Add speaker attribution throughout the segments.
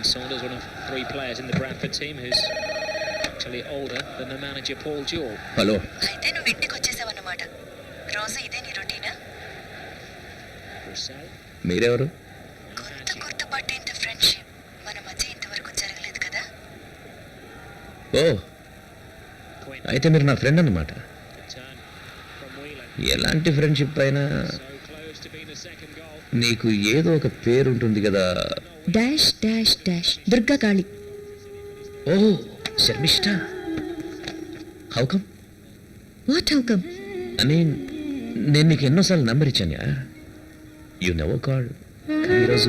Speaker 1: Saunders, one of 3 players in the Bradford team who's actually older than the manager Paul Jewell.
Speaker 2: Hello
Speaker 3: అయితే నువ్వు ఇంటికి వచ్చేసావన్నమాట. రోజు ఇదే నీ రొటీనా?
Speaker 1: Broussel.
Speaker 2: మీరెవరు?
Speaker 3: కొత్త గుర్తుపట్టేంత ఫ్రెండ్షిప్ మన మధ్య ఇంతవరకు జరగలేదు కదా?
Speaker 2: ఓ అయితే మీరు నా ఫ్రెండ్ అన్నమాట.
Speaker 1: Turn from Whelan.
Speaker 2: ఎలాంటి ఫ్రెండ్షిప్ అయినా
Speaker 1: So close to being the second goal.
Speaker 2: నీకు ఏదో ఒక పేరు ఉంటుంది కదా.
Speaker 3: Dash dash dash Durga Kali.
Speaker 2: ఓ Sharmishtha. How come?
Speaker 3: What how come?
Speaker 2: అని నేను నీకు ఎన్నోసార్లు నంబర్ ఇచ్చాను. You never call. కానీ ఈరోజు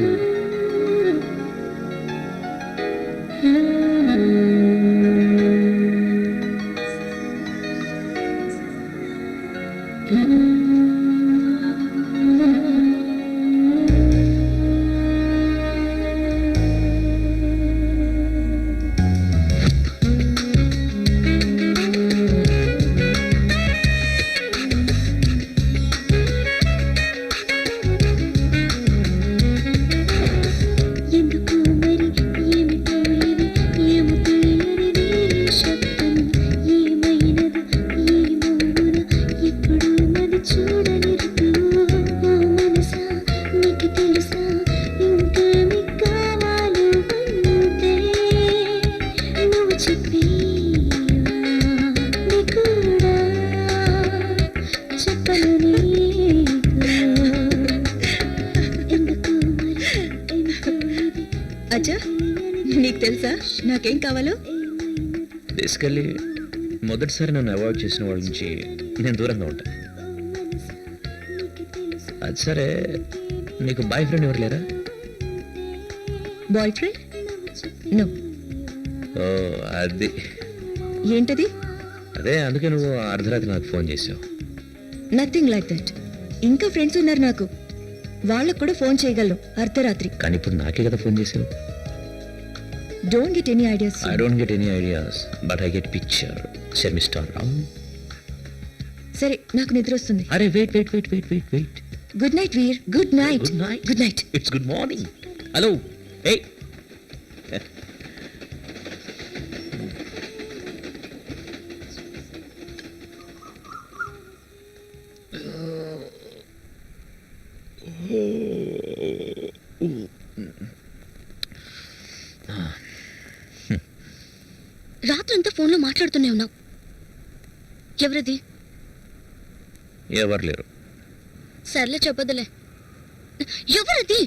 Speaker 3: అచ్చా నీకు తెలుసా నాకేం కావాలో?
Speaker 2: బేసికల్లీ మొదటిసారి నన్ను అవాయిడ్ చేసిన వాళ్ళ నుంచి నేను దూరంగా ఉంటాను. అది సరే, నీకు బాయ్ ఫ్రెండ్ ఎవరు లేరా?
Speaker 3: Boy friend? నో.
Speaker 2: ఓ అది
Speaker 3: ఏంటది?
Speaker 2: అదే అందుకే నువ్వు అర్ధరాత్రి నాకు ఫోన్ చేసావు.
Speaker 3: Nothing like that. ఇంకా ఫ్రెండ్స్ ఉన్నారు నాకు, వాళ్ళకు కూడా ఫోన్ చేయగలను అర్ధరాత్రి.
Speaker 2: కానీ ఇప్పుడు నాకే కదా ఫోన్ చేసావు.
Speaker 3: Don't get any ideas.
Speaker 2: I don't get any ideas but I get picture. Sharmishtha Rao.
Speaker 3: సరే నాకు నిద్ర వస్తుంది.
Speaker 2: అరే wait wait wait wait wait wait.
Speaker 3: Good night Veer. Good night.
Speaker 2: Good night.
Speaker 3: Good night.
Speaker 2: It's good morning. Hello ఏయ్.
Speaker 3: రాత్రంతా ఫోన్లో మాట్లాడుతూనే ఉన్నావు. ఎవరది?
Speaker 2: ఎవరు లేరు.
Speaker 3: సర్లే చెప్పదులే. ఎవరది?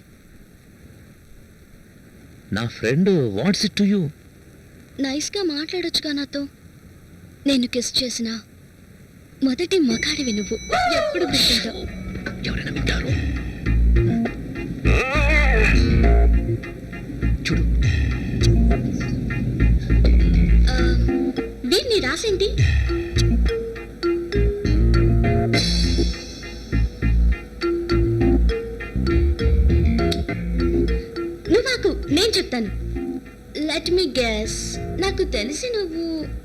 Speaker 2: నా friend. What's it to you?
Speaker 3: నైస్గా మాట్లాడొచ్చుగా నాతో. నేను కిస్ చేసిన మొదటి మగాడివి నువ్వు. ఎప్పుడు గుర్తుంటావు?
Speaker 2: ఎవరైనా వింటారు. చూడు.
Speaker 3: వీర్ నీ రాసేంటి? నువ్వు నాకు నేను చెప్తాను. Let me guess. నాకు తెలిసి నువ్వు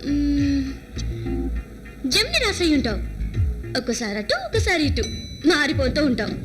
Speaker 3: జమ్ని రాసై ఉంటావు. ఒకసారి అటు ఒకసారి ఇటు మారిపోతూ ఉంటావు.